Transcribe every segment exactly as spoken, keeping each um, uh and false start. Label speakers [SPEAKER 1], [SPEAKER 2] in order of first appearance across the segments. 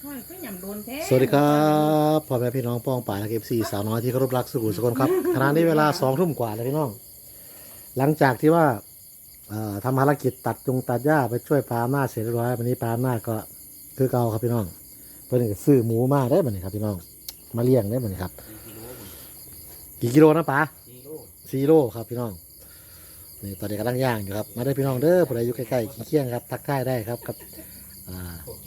[SPEAKER 1] สวัสดีครับพ่อแม่พี่น้องป้องป่าและเอฟซีสาวน้อยที่เคารพรักสุขุมสุขนครับขณะนี้เวลาสองทุ่มกว่าแล้วพี่น้องหลังจากที่ว่าทำภารกิจตัดจงตัดหญ้าไปช่วยปลาหน้าเสร็จเรียบร้อยวันนี้ปลาหน้าก็คือเก่าครับพี่น้องเพื่อนก็ซื้อหมูมาได้บัดนี้ครับพี่น้องมาเลี้ยงได้บัดนี้ครับกี่กิโลนะปลาสี่โลครับพี่น้องนี่ตอนนี้กำลังย่างอยู่ครับมาได้พี่น้องเด้อผู้ใดอยู่ใกล้ๆเคียงครับทักทายได้ครับกับอ่า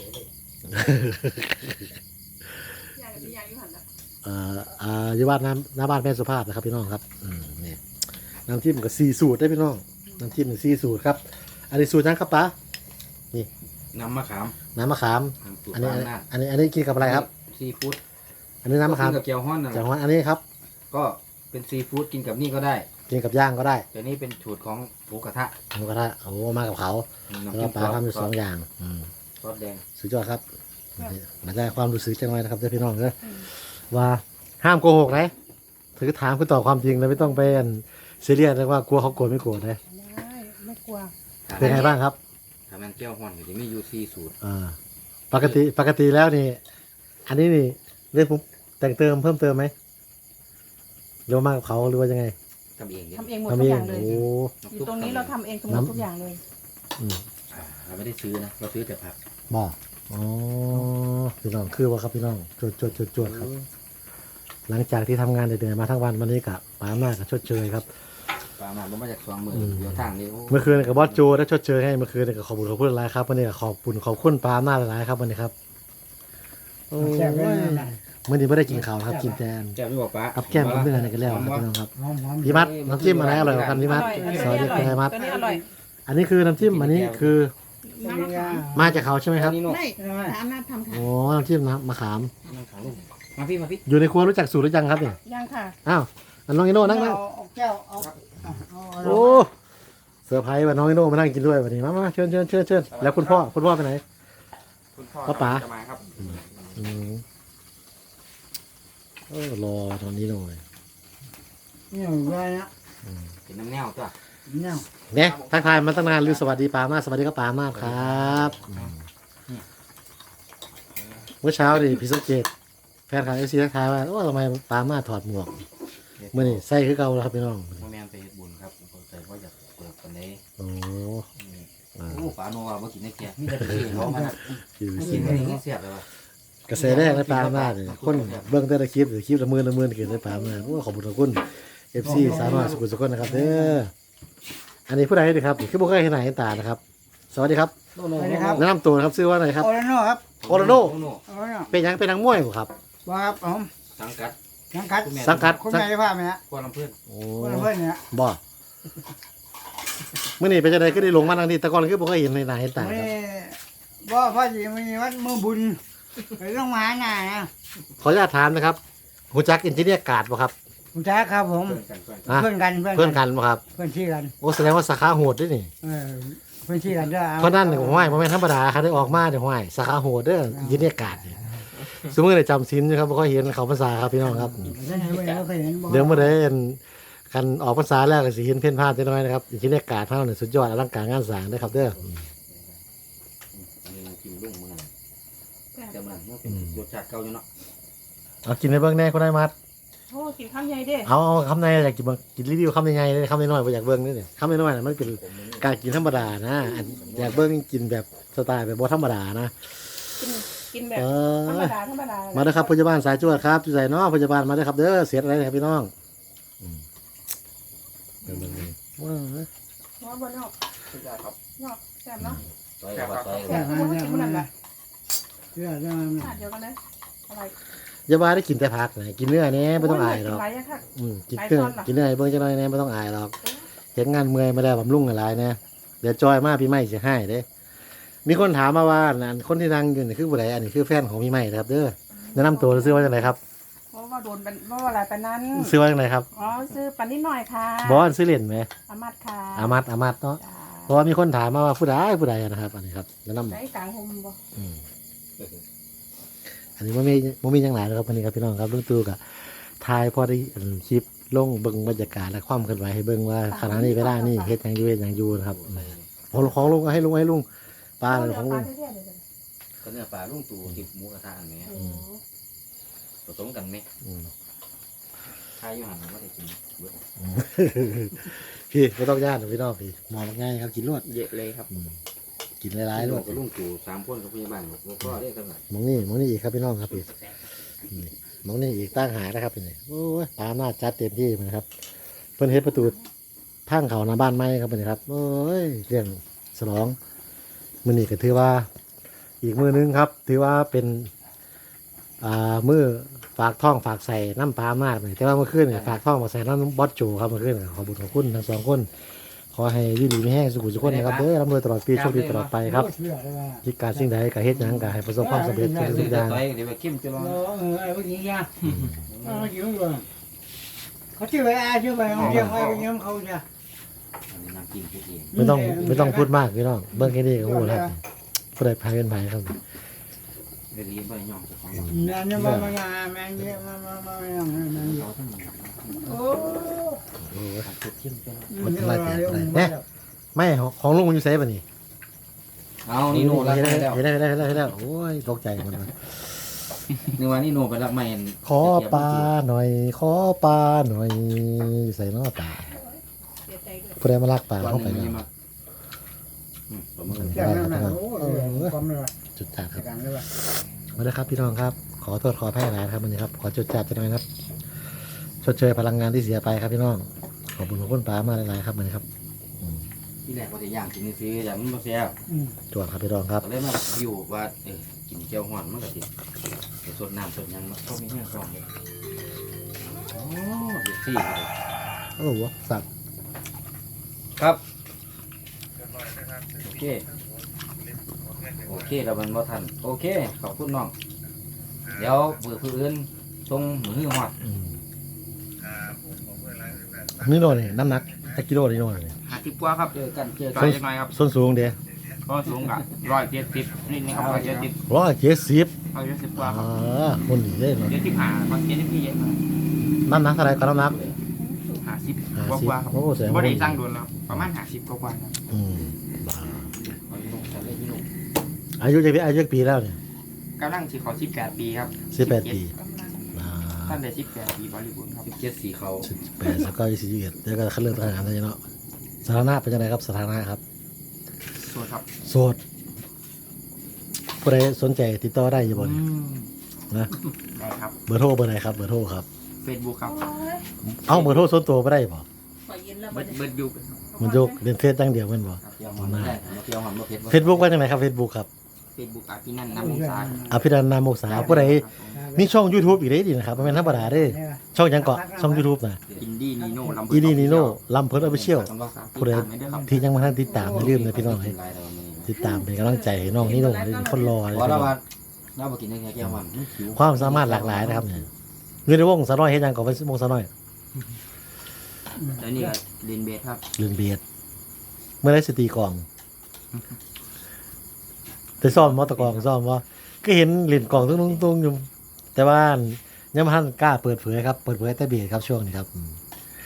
[SPEAKER 1] อ่าอ่าอยู่บ้านน้ำหน้าบ้านแม่สุภาพนะครับพี่น้องครับอืมนี่น้ำจิ้มกับซีสูตรได้พี่น้องน้ำจิ้มซีสูตรครับอันนี้สูตรนั้นครับป้านี่
[SPEAKER 2] น้ำมะขาม
[SPEAKER 1] น้ำมะขามอันนี้อันนี้อันนี้กินกับอะไรครับ
[SPEAKER 2] ซีฟู้ด
[SPEAKER 1] อันนี้น้ำมะขาม
[SPEAKER 2] กับเกี๊ยวฮ้อนนะ
[SPEAKER 1] เกี๊ยวฮ้อนอันนี้ครับ
[SPEAKER 2] ก็เป็นซีฟู้ดกินกับนี่ก็ได้
[SPEAKER 1] กินกับย่างก็ได้
[SPEAKER 2] แต่นี่เป็นสูตรของหมูกระทะ
[SPEAKER 1] หมูกระทะโอ้มากับเขาแล้วปลาทำอยู่สองอย่างอืม
[SPEAKER 2] ซอสแดง
[SPEAKER 1] สุดยอดครับมาได้ความรู้สึกจังเลยนะครับเจ้าพี่น้องเนอะว่าห้ามโกหกนะถือถามคือตอบความจริงแล้วไม่ต้องไปซีเรียสเลยว่ากลัวเขาโกรธไม่โกรธนะ
[SPEAKER 3] ไม่กลัว
[SPEAKER 1] เป็นไงบ้างครับ
[SPEAKER 2] ทำมันเกี๊ยวฮ้อนอยู่ที่มีอยู่ซีสูตร
[SPEAKER 1] อ่าปกติปกติแล้วนี่อันนี้นี่เรื่องผมแต่งเติมเพิ่มเติมไหมเร็วมากกับเขาหรือว่ายังไง
[SPEAKER 2] ทำเอง
[SPEAKER 3] ทำเองหมดทุกอย่างเลยอยู่ตรงนี้เราทำเองทั้งหมดทุกอย่างเลย
[SPEAKER 2] เราไม่ได้ซื้อนะเราซื้อแต่ผัก
[SPEAKER 1] บ่อ๋อพี่น้องคือว่าครับพี่น้องจวดจวดจวดจวดครับหลังจากที่ทำงานเดือดๆมาทั้งวันวันนี้กับปาหน้ากับชดเชยครับ
[SPEAKER 2] ปาหน้าก็มาจากสองมือเดี๋ยวทางนี้
[SPEAKER 1] เมื่อคืนกับบอสโจได้ชดเชยให้เมื่อคืนกับขอบคุณขอบคุณหลายครับวันนี้ขอบคุณขอบคุณปาหน้าหลายครับวันนี้ครับโอ้ยเมื่อนี้ไม่ได้กินข้าวครับกินแทน
[SPEAKER 2] แก้มไม่บอกป้า
[SPEAKER 1] กับแก้มกับเนื้อนี่กันแล้วครับพี่น้องครับพี่มัดน้ำจิ้มอะไรอร่อยกว่ากันพี่มัดสวัสดีครับมัดอันนี้คือน้ำจิ้มอันนี้คือมาจากเขาใช่ไหมครับ
[SPEAKER 3] ไม่น้ำน้ำทำค่ะ
[SPEAKER 1] โอ้น้ำจิ้มน้ำมะขาม
[SPEAKER 2] มาพี่มาพี่
[SPEAKER 1] อยู่ในครัวรู้จักสูตรหรือยังครับเนี่ย
[SPEAKER 3] ยังค่ะ
[SPEAKER 1] อ้าวน้องอิโน่นั่งนั่ง
[SPEAKER 3] แก้วเอา
[SPEAKER 1] โอ้เซอร์ไพรส์ว่าน้องอิโน่มานั่งกินด้วยวันนี้มามาเชิญเชิญเชิญเชิญแล้วคุณพ่อคุณพ่อไปไหน
[SPEAKER 2] คุณพ่อ
[SPEAKER 1] ป๋า
[SPEAKER 2] จะมาครับ
[SPEAKER 1] อืมเออรอตอนนี้หน่อย
[SPEAKER 3] นี่อะไรนะ
[SPEAKER 2] เป็นน้ำแนวตัว
[SPEAKER 3] แนว
[SPEAKER 1] เนี่ยทักทายมาตั้งนานลือสวัสดีปามาสวัสดีครับปามาครับเมื่อเช้าดิพี่สังเกตแฟนข่าวเอฟซีทักทายว่าโอ้ทำไมปามาถอดหมวกเมื่อนี่ใส่คือเก่าแล้วครับพี่น้อง
[SPEAKER 2] แม่ไปเฮ็ดบุญครับผมใจว่าอยากเปิดกันนี้
[SPEAKER 1] โอ้
[SPEAKER 2] โอ้ปาโนว่าเมื่อกี้ในแก่มีแต่กินเขามากินไม่ได้เสียบเลยว่ะ
[SPEAKER 1] กระแสแรกในปามาเลยคนเบื้องต้นคลิปหรือคลิปละมือละมือเกิดในปามาโอ้ขอบคุณขอบคุณเอฟซีสาวน้อยสุขุมสุขนะครับเด้ออันนี้ผู้ใดดีครับคือบุคคลที่ไหนตานะครับสวัสดีครับ
[SPEAKER 3] สวัสดีครับ
[SPEAKER 1] แนะนำตัวนะครับชื่อว่าอะไรครับ
[SPEAKER 3] โอราโน่ครับ
[SPEAKER 1] โอราโน่เป็นยังเป็นนักมวยครับ
[SPEAKER 3] ว่าครับผม
[SPEAKER 2] สังกัด
[SPEAKER 3] สังกัด
[SPEAKER 1] สังกัด
[SPEAKER 3] คุณแม่จะพาไหมฮะ
[SPEAKER 2] คนลำเพื่อน
[SPEAKER 1] โอ้
[SPEAKER 3] คนลำเพื่อนเนี่ย
[SPEAKER 1] บ่เมื่อนี่เป็นจะได้ก็ได้ลงมาทางนี้แต่ก่อนคือบุคคลเห็นในหน้าเห็นตาครับ
[SPEAKER 3] บ่พ่อจีมีวัดมือบุญไปต้องมาหน้านะ
[SPEAKER 1] ขออนุญาตถามนะครับหูจักอินจิเนียร์การ์ดป่ะครับ
[SPEAKER 3] หูจักครับผมเพื่อนกัน
[SPEAKER 1] เพื่อนกันป่ะครับ
[SPEAKER 3] เพื่อนที่กัน
[SPEAKER 1] โอ้แสดงว่าสาขาโหดด้วยนี่
[SPEAKER 3] เพื่อนที่กันด้วย
[SPEAKER 1] เพราะนั่นเนี่ยห้อยมันไม่ธรรมดาครับได้ออกมาเดี๋ยวห้อยสาขาโหดเด้ออินจิเนียร์การ์ดเนี่ยสมมติได้จำสินนะครับบุคคลเห็นเขาภาษาครับพี่น้องครับเดี๋ยวเมื่อไรกันออกภาษาแล้วก็สิเห็นเพ่นพลาดน้อยนะครับอินจิเนียร์การ์ดเท่านั้นสุดยอดอลังการงานสร้างได้ครับเด้อ
[SPEAKER 2] แต่มันเป็นรสชาติเก่าอยู่เนาะ
[SPEAKER 1] เอากินในเบื้องแน่ก็ได้มัด
[SPEAKER 3] โอ้กินข้าวใหญ่เด้
[SPEAKER 1] เอาคำในอยากกินกินรีวิวคำในไงคำในน้อยอยากเบื้องนี่เนี่ยคำในน้อยนะมันเป็นการกินธรรมดานะอยากเบื้องกินแบบสไตล์แบบบ่ธรรมดานะ
[SPEAKER 3] กินแบบธรรมดาธรรมดา
[SPEAKER 1] มาเด้อครับพยาบาลสายจวดครับจุใจน้องพยาบาลมาเด้อครับเด้อเสียอะไรครับพี่น้องเป็นแบบนี้ว้าว
[SPEAKER 3] ว้าวบนนอก
[SPEAKER 2] สุดยอดครับ
[SPEAKER 3] นอกแซ่บเนาะ
[SPEAKER 2] แซ่บครับ
[SPEAKER 3] แซ่บไม่กินมันนั่นแหละเดี๋ยวเดี๋ยวเดี๋ยวกันเลยอะไร
[SPEAKER 1] ยาบ้าได้กินแต่ผักนะกินเนื้อเนี้ยไม่ต้องอายหรอกอืมกินเนื้อกินเนื้อเบิ้งจะน้อยเนี้ยไม่ต้องอายหรอกเห็นงานเมื่อยมาได้บำรุงอะไรเนี่ยเดี๋ยวจอยมาพี่ไม่จะให้เด้มีคนถามมาว่าคนที่นั่งอยู่นี่คือผู้ใดอันนี้คือแฟนของพี่ไม่นะครับเด้อแนะนำตัวซื้อว่าจังไรครับ
[SPEAKER 3] เพราะว่าโดนเป็นเพราะว่าอะไรเป็นนั้น
[SPEAKER 1] ซื้อว่าจังไรครับ
[SPEAKER 3] อ๋อซื้อปันนิดหน่อยค่ะ
[SPEAKER 1] บอสซื้อเหรียญไหม
[SPEAKER 3] อามัดค่ะ
[SPEAKER 1] อามัดอามัดเนาะเพราะว่ามีคนถามมาว่าผู้ใดผู้ใดนะครับอันนี้ครับแนะนำ
[SPEAKER 3] ใส่กลางหมบ่
[SPEAKER 1] อันนี้มันมีมันมีอย่างไรนะครับวันนี้ครับพี่น้องครับลุงตู่กับทายพอได้คลิปลงเบิ้งบรรยากาศและความเคลื่อนไหวให้เบิ้งว่าขณะนี้เวลานี่เฮ็ดยังอยู่เฮ็ดยังอยู่นะครับของของลุงให้ลุงให้ลุงปลาเลยของลุง
[SPEAKER 2] ก็เนื้อปลาลุงตู่ติดหมูกระทะอันนี้
[SPEAKER 4] โอ้
[SPEAKER 2] ผสมกันไหม
[SPEAKER 1] อืม
[SPEAKER 2] ทายอยู่หันว่าได้กินเบิด
[SPEAKER 1] พี่ไม่ต้องย่านหรอกพี่น้องพี่มองง่ายครับกินรวด
[SPEAKER 2] เยอะเลยครับ
[SPEAKER 1] อืมกินหลายๆรวด
[SPEAKER 2] กับลุงตู่สามคนกับพยาบาลบอกก็เรียกกันหน่อย
[SPEAKER 1] มองนี่มองนี่อีกครับพี่น้องครับพี่นี่มองนี่อีกตั้งหานะครับพี่นี่โอ้ยปลาหน้าจัดเต็มที่เลยครับเพิ่นเฮ็ดประตูทางเขาหน้าบ้านไม้ครับพี่ครับโอ้ยเรื่องสลองมื้อนี้ก็ถือว่า อีกมือนึงครับ ถือว่าเป็นอ่ามือฝากท้องฝากใส่น้ำปลามาดเลยแต่ว่าเมื่อคืนเนี่ยฝากท้องฝากใส่น้ำบอสโจครับเมื่อคืนเนี่ยขอบุญขอบคุณทั้งสองคนขอให้อยืดดีไม่แห้งสุขุสุขคนนะครับเด้อร่ำรวยตลอดปีโชคดีตลอดไปครับ
[SPEAKER 3] เชื่อเลยว่า
[SPEAKER 1] คิดการสิ่งใดก็เฮ็ดหยังก็ให้ประสบความสำเร็จทุกสิ่งทุกอย่าง
[SPEAKER 2] ต่อยเดี๋ยวไปเข้มจะลอง
[SPEAKER 3] เออเออไอ้พวกนี้เนี่ยเอามากินก่อนเขาชื่ออะไรชื่ออะไรเขาเรียกอะไรเงี้ยเขาจะ
[SPEAKER 2] อันนี้น้ำจิ้มคิดเอง
[SPEAKER 1] ไม่ต้องไม่ต้องพูดมากพี่น้องเบิ่งแค่นี้ก็รู้แล้วผู้ใดพายเป็นไผครับ
[SPEAKER 2] ได้เรียนไปย่องจากของ
[SPEAKER 3] เนี่ยเนี่ยมามาแม่เงี้ยมามามาอย่างนั้น
[SPEAKER 2] เขาทั้ง
[SPEAKER 3] โอ้
[SPEAKER 1] โอ้ย
[SPEAKER 2] ทำสุดเข้มไปแล้ว
[SPEAKER 3] มันอะไรเนี่ย
[SPEAKER 1] ไม่ของของลุงมันอยู่ไสบัดนี้
[SPEAKER 2] เอานี่โน่รับ
[SPEAKER 1] เห็น
[SPEAKER 2] ไม่
[SPEAKER 1] แล้ว
[SPEAKER 2] แล้ว
[SPEAKER 1] เห็นแล้วเห็นแล้วเห็นแล้วโอ้ยตกใจหมดเลย
[SPEAKER 2] นึกว่านี่โน่ไปรับไม่
[SPEAKER 1] ขอปลาหน่อย ขอปลาหน่อยใส่น้อปลา
[SPEAKER 4] เสียใจด้วย
[SPEAKER 1] ผู้ใดมาลักปลา
[SPEAKER 2] วัน
[SPEAKER 1] เข้าไป
[SPEAKER 2] นึง
[SPEAKER 1] แล้ว
[SPEAKER 2] นี่มาประเมิน
[SPEAKER 3] แค่นั้นนะโอ้ยความเลย
[SPEAKER 1] จุดจัดครับ
[SPEAKER 3] กันเลยว่ะ
[SPEAKER 1] มาเลยครับพี่น้องครับ ขอโทษขอแพ้หลายครับวันนี้ครับ ขอจุดจัดจะหน่อยครับ ชดเชยพลังงานที่เสียไปครับพี่น้อง ขอบคุณขอบคุณปลามาหลายๆครับวันนี้ครับอืม
[SPEAKER 2] ที่แรกว่าจะย่างกินซื้อแต่มันไม่แซ่บ
[SPEAKER 1] จวดครับพี่น้องครับ
[SPEAKER 2] ก็เลยมาอยู่ว่าเออกินเจียวห่อนมันก็ติดสดน้ำสดยังมันก็มีแห้งซองเลยโอ้ยสี่เลย
[SPEAKER 1] โอ้โหสัตว์
[SPEAKER 2] ครับโอเคโอเคเรามันบ่ทันโอเคขอบคุณน้องเดี๋ยวเบื่อผู้อื่นทรงมือหอด
[SPEAKER 1] อืมนี่โน่นนี่น้ำหนักตะกิโลนี่โน่นนี่
[SPEAKER 5] หาทิปกว่าครับ
[SPEAKER 2] เจอกันเจอ
[SPEAKER 5] ต่
[SPEAKER 2] กั
[SPEAKER 5] อน ยเล็กน้อยครับ
[SPEAKER 1] ส้นสูงเด้
[SPEAKER 5] ก็สูงกับร้อยเจ็ดสิบนี่นี่ครับร้อยเจ็ดสิบ
[SPEAKER 1] ร้อยเจ็ดสิบ
[SPEAKER 5] ร้อยเจ็ดสิบกว่าค
[SPEAKER 1] อ่
[SPEAKER 5] รับ
[SPEAKER 1] าคนดีเลยเนาะ
[SPEAKER 5] เจ็ดสิบห้าครับเจ็ดสิบพี่เยอะ
[SPEAKER 1] น้ำหนักเท่าไหรก็น้ำหนัก
[SPEAKER 5] หาสิบ
[SPEAKER 1] ห้าก
[SPEAKER 5] ว่า
[SPEAKER 1] สิบ
[SPEAKER 5] กว่าครับ
[SPEAKER 1] โอ้แสดง
[SPEAKER 5] บ่
[SPEAKER 1] ว่า
[SPEAKER 5] ได้สร้างโดนแล้วประมาณหาสิบกว่ากว่าครับ
[SPEAKER 1] อืม
[SPEAKER 2] เอาพี่นุ่มทำได้พี่นุ่ม
[SPEAKER 1] อายุจะอายุปีแล้วเนี่ย
[SPEAKER 5] กำลังสิเขาสิบแปดปีครับ
[SPEAKER 1] สิบแปดปีอ่า
[SPEAKER 5] ท่านได้สิบแปดปีบริบูรณ์ครับ
[SPEAKER 2] สิบเจ็ดสีเขา
[SPEAKER 1] สิบแปดสกอยสี่สิบเอ็ดเดี๋ยวก็คัดเลือกทหารเลยเนาะสถานะเป็นยังไงครับสถานะครับ
[SPEAKER 5] ส่วนครับ
[SPEAKER 1] โสดผู้ใดสนใจติดต่อได้อยู่บ่เนี่ยนะ
[SPEAKER 5] ได้ครับ
[SPEAKER 1] เบอร์โทรเบอร์ไหนครับเบอร์โทรครับ
[SPEAKER 5] เฟซบุ๊กครับ
[SPEAKER 4] โอ้ย
[SPEAKER 1] เอ้าเบอร์โทรส่วนตัวไม่ได้บ่
[SPEAKER 4] ขอยืนแล้ว
[SPEAKER 5] เบิ
[SPEAKER 4] บั
[SPEAKER 5] ร์
[SPEAKER 4] ด
[SPEAKER 5] ด
[SPEAKER 4] นี้
[SPEAKER 5] เบิร์ดยู
[SPEAKER 1] มันยกเล่นเฟซตั้งเดียวแมันบ่
[SPEAKER 2] เจียวหอมไม่ได้เจียวหอมมาเผ็ด
[SPEAKER 1] เฟซบุ๊กว่าจังไหนครับเฟซบุ๊กครับ
[SPEAKER 5] เฟซบุ๊กอาพี่นั่นน้ำมงสา
[SPEAKER 1] อภิรันนามโมกษาผู้ใดมีช่อง YouTube อีกได้ดีนะครับบ่แม่นธรรมดาเด้ช่องหยังเกาะช่อง YouTube น่ะ
[SPEAKER 5] อินดี้นีโน่ลำ
[SPEAKER 1] อีนี่นีโน่ลำเพิ่นออฟฟิเชียล
[SPEAKER 5] ผู้ใดไม่ได้ครับ
[SPEAKER 1] ที่ยังบ่ทันติดตามอย่าลืมนะพี่น้องให้ติดตามเป็นกำลังใจให้น้องนี่น้องได้คนรอเลย
[SPEAKER 2] เพราะเราว่าเราบอกินได้แค่เจียวหอมผิว
[SPEAKER 1] ความสามารถหลากหลายนะครับเนี่ยเงินในวงสาวน้อยเฮ็ดหยังก่อนเป็นวงสาวน้อย
[SPEAKER 5] แล้วนี่ก็เรียนเบสครับ
[SPEAKER 1] เรื่องเบียดเมื่อไรสตีกลองแต่ซ่อมมอตะกลองซ่อมว่าก็เห็นเหรียญกลองตุ้งตุ้งๆอยู่แต่ว่ายังไม่ทันกล้าเปิดเผยครับ เปิดเผยแต่เบียดครับช่วงนี้ครับอืม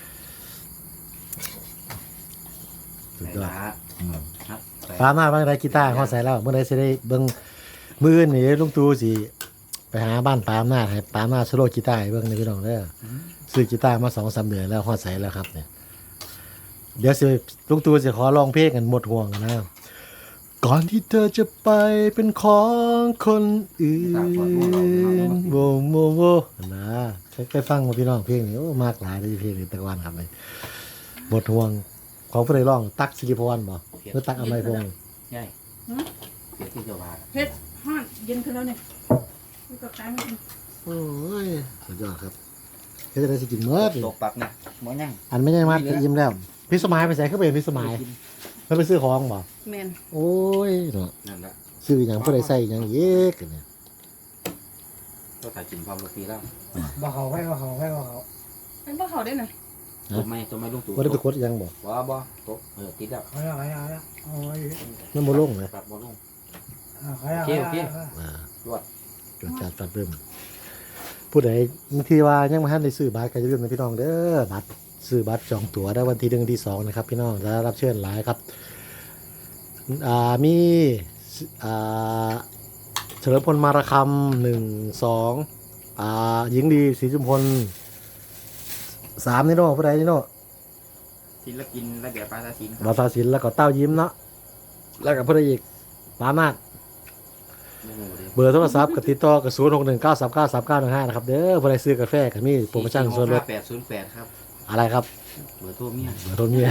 [SPEAKER 1] สุดยอดปามาบ้างไรกีตาร์เขาใส่แล้ว เมื่อไรจะได้เบิ้งมือนี่ลุงตูสิไปหาบ้านปามหน้าให้ปามหน้าโซโล่กีตาร์ให้เบิ้งในพี่น้องเด้อซื้อกีตาร์มาสองสามเดือนแล้วเขาใส่แล้วครับเนี่ยเดี๋ยวสิลุงตูสิขอลองเพลงกันหมดห่วงนะก่อนที่เธอจะไปเป็นของคนอื่นโวโวโวนะเคยฟังมาพี่น้องเพลงนี้โอ้มากหลายเลยเพลงนี้ตะวันครับเลยหมดห่วงของผู้ใดร้องตักสิริพรบ่หรือตักอมัยพงษ์
[SPEAKER 2] ใช่เผ็ดที่จะว่า
[SPEAKER 4] เพชรห้อนเย็นขึ้นแล้วเนี่ยนี่ก็ตายไม่กิน
[SPEAKER 1] โอ้ยสุดยอดครับเฮ็ดจะได้สิกินเมื่อ
[SPEAKER 2] ตกปักเนี่ยหมอยัง
[SPEAKER 1] อันไม่ใช่มัดก็อิ่มแล้วพี่สมัยไปใส่เข้าไปพี่สมัยแล้วไปซื้อของบ่
[SPEAKER 4] แมน
[SPEAKER 1] โอ้ยเนาะ
[SPEAKER 2] นั่นแหละ
[SPEAKER 1] ซื้ออย่างผู้ใดใส่อย่างเยอะกันเนี่ย
[SPEAKER 2] ก็ถ่ายกินพร้อมลูกปีแล้ว
[SPEAKER 3] บ่เขาให้บ่เขาให้บ่เขา
[SPEAKER 4] เป็นพ่อเขาได้หน่อย
[SPEAKER 2] ตัวไม่ตัวไม่ลุงตู่
[SPEAKER 1] บ่ได้ไปกดอีหยังบ่
[SPEAKER 2] ว้าบ่ตกเออติดแล้ว
[SPEAKER 3] เขาแล้วเขาแล้วโอ้ย
[SPEAKER 1] มันบ่ลงเลย
[SPEAKER 2] ปรับบ่ลง
[SPEAKER 3] เขาแล้ว
[SPEAKER 1] อ่า
[SPEAKER 2] จวด
[SPEAKER 1] จดจัดจัดเริ่มผู้ใดบางทีว่ายังบ่ทันได้ซื้อบัตรก็อย่าลืมนะพี่น้องเด้อบัตรซื้อบัตรจองตั๋วได้วันที่หนึ่งที่สองนะครับพี่น้องจะรับเชิญหลายครับอ่ามีอ่าเฉลิมพลมาระคำหนึ่งสองอ่าหญิงดีศรีจุมพลสามนี่โน่ผู้ใดนี่โน่
[SPEAKER 5] ศิลปินระเบียบปาตาศิลป์ครับ
[SPEAKER 1] บาซาศิลป์แล้วก็เต้ายิ้มเนาะแล้วก็ผู้ใดอีกปามาด
[SPEAKER 5] โอ้โหเด้
[SPEAKER 1] เบอร์โทรศัพท์กับติดต่อกับศูนย์หกหนึ่งเก้าสามเก้าสามเก้าหนึ่งห้านะครับเด้อผู้ใดซื้อกาแฟกับมีโปรโมชั่นส่วนลด
[SPEAKER 5] แปดศูนย์แปดครับ
[SPEAKER 1] อะไรครับ
[SPEAKER 5] เบอร์โทรเมีย
[SPEAKER 1] เบอร์โทรเมีย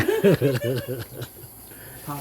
[SPEAKER 5] ท่อง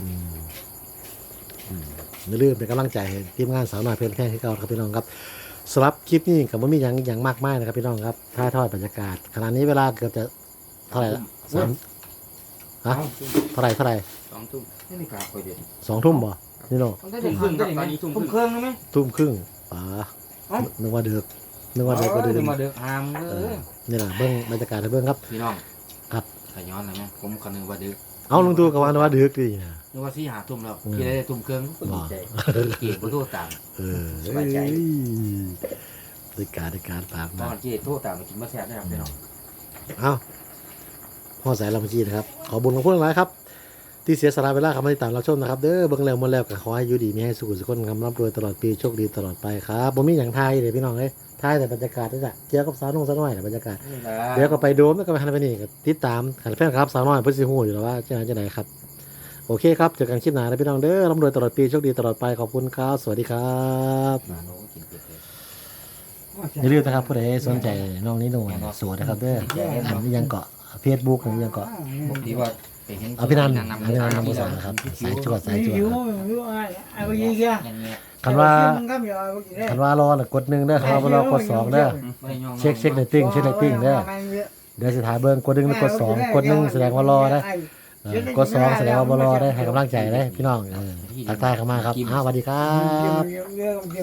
[SPEAKER 1] อย่าลืมเป็นกำลังใจให้ทีมงานสาวน้อยเพลินแพร่ที่เก่าครับพี่น้องครับสำหรับคลิปนี้กับว่ามีอย่างอย่างมากมายนะครับพี่น้องครับถ่ายทอดบรรยากาศขณะนี้เวลาเกือบจะเท่าไหร่ละสามฮะเท่าไหร่เท่าไหร่
[SPEAKER 5] สองทุ่ม
[SPEAKER 2] นี่นี่กาคอยเด็ด
[SPEAKER 1] สองทุ่มบ่นี่โน่
[SPEAKER 5] ทุ่มครึ่งครับตอนนี้ทุ่มค
[SPEAKER 2] ทุ่ม
[SPEAKER 5] รึ่ง
[SPEAKER 2] เครื่องได้ไหม
[SPEAKER 1] ทุ่มครึ่งป๋านึกว่าเดือกนึกว่าเดือกก็เดือก
[SPEAKER 2] เดี๋ยวมาเดือกหามเออ
[SPEAKER 1] นี่แหละเบิ้งบรรยากาศให้เบิ้งครับ
[SPEAKER 2] พี่น้อง
[SPEAKER 1] ครับ
[SPEAKER 2] ขย้อนเลยไหมผมก็นึกว่าเดือก
[SPEAKER 1] เอาลุงตู่กับว่านึกว่าเดือกดีนะ
[SPEAKER 2] นึกว่าที่หาทุ่มแล้ว
[SPEAKER 1] อืม
[SPEAKER 2] กี่ได้ทุ่มเครื่องก็ดีใจเกียรติโทษตาม
[SPEAKER 1] เออ
[SPEAKER 2] สบายใจ
[SPEAKER 1] ในการในการปาก
[SPEAKER 2] ต
[SPEAKER 1] มา
[SPEAKER 2] อนเกียรติโทษตามมากินมาแซ่บนะครับพี่น้อง
[SPEAKER 1] เอาพ่อสายลำจีนะครับ ขอบุญของพวกหลายครับ ที่เสียสละเวลาคำติดตามเราชมนะครับ เด้อเบิ่งแล้วหมาแล้วก็ขอให้อยู่ดีมีให้สุขสุขคนคำร่ำรวยตลอดปีโชคดีตลอดไปครับบ่มีอย่างไทยเลยพี่น้องเอ้ยไทยแต่บรรยากาศนี่แหละเกี่ยวกับสาวนุ่งสาวน้อยแต่บรรยากาศ
[SPEAKER 2] นี่แหละ
[SPEAKER 1] เดี๋ยวก็ไปโดมแล้วก็ไปฮันไปนี่ก็ติดตามขันแฟนครับสาวน้อยเพื่อสิฮู้อยู่แล้วว่าจะไหนจะไหนครับโอเคครับเจอกันคลิปหน้านะพี่น้องเด้อร่ำรวยตลอดปีโชคดีตลอดไปขอบคุณครับสวัสดีครับ
[SPEAKER 2] มาโน้กินเป็ดเลย
[SPEAKER 1] อย่าลืมนะครับผู้ใดสนใจน้องนี้หน่อยสวยนะครับเด้ออันนี้ยังเกาะเฟซบุ๊กนี่ยังเกาะ
[SPEAKER 2] ผมดีว่าไปเห็น
[SPEAKER 1] เอาพี่นัน
[SPEAKER 2] นำ
[SPEAKER 1] อันนี้นันนำภาษาครับสายจวดสายจวด
[SPEAKER 3] หิว
[SPEAKER 1] ครับ
[SPEAKER 3] หิวอะไรอะไรอย่างเงี้ย
[SPEAKER 2] อย่างเงี้ย
[SPEAKER 1] คันว่า
[SPEAKER 3] มันก็มีอะไรกินได้
[SPEAKER 1] คันว่ารอน่ะกดหนึ่งเด้อคันว่าบ่รอกดสองเด้อ
[SPEAKER 2] ไม่ยอง
[SPEAKER 1] เช็คเช็คเรตติ้งเช็คเรตติ้งเด้อเดี๋ยวสิถ่ายเบิ่งกดหนึ่งแล้วกดสองกดหนึ่งแสดงว่ารอนะเออกดสองแสดงว่าบ่รอได้ให้กำลังใจได้พี่น้องเออทักทายเข้ามาครับอ้าวสวัสดีครับ
[SPEAKER 3] เยอะ